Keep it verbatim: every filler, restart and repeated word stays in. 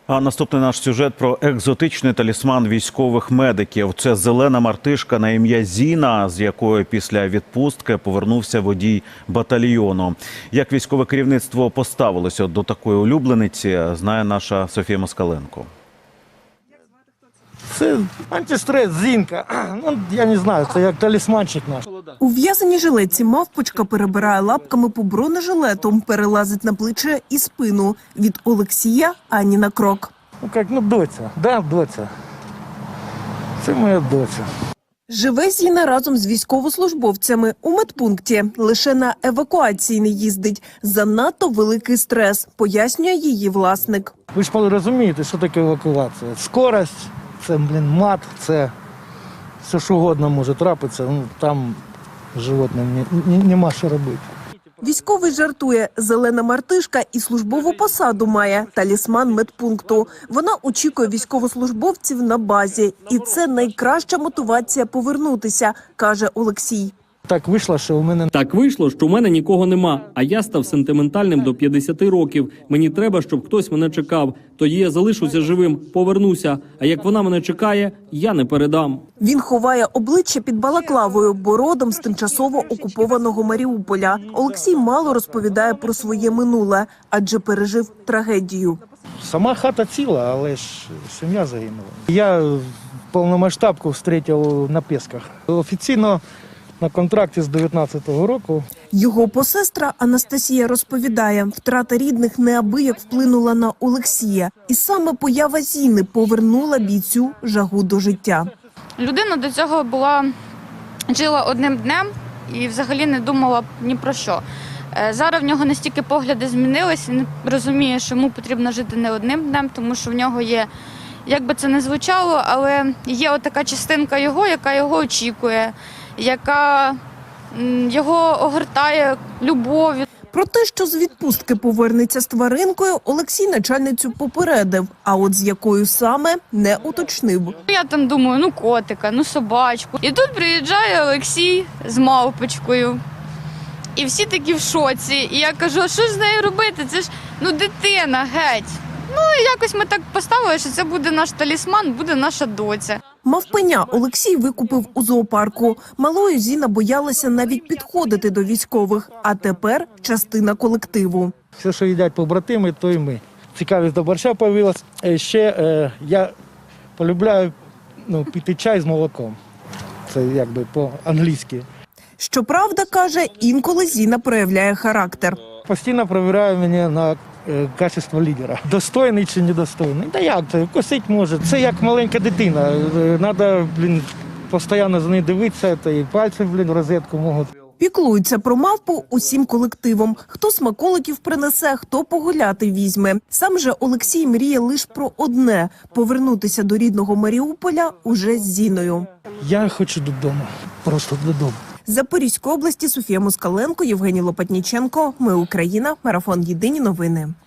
А наступний наш сюжет про екзотичний талісман військових медиків. Це зелена мартишка на ім'я Зіна, з якою після відпустки повернувся водій батальйону. Як військове керівництво поставилося до такої улюблениці, знає наша Софія Москаленко. Це антистрес, Зінка. Ну, я не знаю, це як талісманчик наш. У в'язаній жилетці мавпочка перебирає лапками по бронежилету, перелазить на плече і спину. Від Олексія ані на крок. Ну, як, ну, доця. Да, доця. Це моя доця. Живе Зіна разом з військовослужбовцями у медпункті. Лише на евакуації не їздить. Занадто великий стрес, пояснює її власник. Ви ж розумієте, що таке евакуація. Скорость, це, блін, мат, це все що угодно може трапитися. Ну, там животним нема що робити. Військовий жартує, зелена мартишка і службову посаду має – талісман медпункту. Вона очікує військовослужбовців на базі. І це найкраща мотивація повернутися, каже Олексій. Так вийшло, що у мене... Так вийшло, що у мене нікого нема, а я став сентиментальним до п'ятдесяти років. Мені треба, щоб хтось мене чекав. Тоді я залишуся живим, повернуся. А як вона мене чекає, я не передам. Він ховає обличчя під балаклавою, бо родом з тимчасово окупованого Маріуполя. Олексій мало розповідає про своє минуле, адже пережив трагедію. Сама хата ціла, але ж сім'я загинула. Я повномасштабку зустрів на Пісках. Офіційно на контракті з дев'ятнадцятого року. Його посестра Анастасія розповідає, втрата рідних неабияк вплинула на Олексія. І саме поява Зіни повернула бійцю жагу до життя. Людина до цього була, жила одним днем і взагалі не думала ні про що. Зараз в нього настільки погляди змінились, він розуміє, що йому потрібно жити не одним днем, тому що в нього є, як би це не звучало, але є отака частинка його, яка його очікує, яка його огортає любов'ю. Про те, що з відпустки повернеться з тваринкою, Олексій начальницю попередив, а от з якою саме не уточнив. Я там думаю, ну котика, ну собачку. І тут приїжджає Олексій з мавпочкою. І всі такі в шоці. І я кажу, а що ж з нею робити? Це ж, ну, дитина, геть. Ну, і якось ми так поставили, що це буде наш талісман, буде наша доця. Мавпеня Олексій викупив у зоопарку. Малою Зіна боялася навіть підходити до військових, а тепер частина колективу. Все, що їдять побратими, то і ми. Цікавість до борща з'явилась. Ще е, я полюбляю ну, піти чай з молоком. Це якби по-англійськи. Щоправда, каже, інколи Зіна проявляє характер. Постійно перевіряю мене на е, качество лідера. Достойний чи недостойний. Та як це? Косить може. Це як маленька дитина. Треба, блін, постійно за нею дивитися, та і пальці, блін, в розетку можуть. Піклуються про мавпу усім колективом. Хто смаколиків принесе, хто погуляти візьме. Сам же Олексій мріє лише про одне – повернутися до рідного Маріуполя уже з Зіною. Я хочу додому. Просто додому. З Запорізької області Софія Москаленко, Євгеній Лопатніченко. Ми Україна. Марафон. Єдині новини.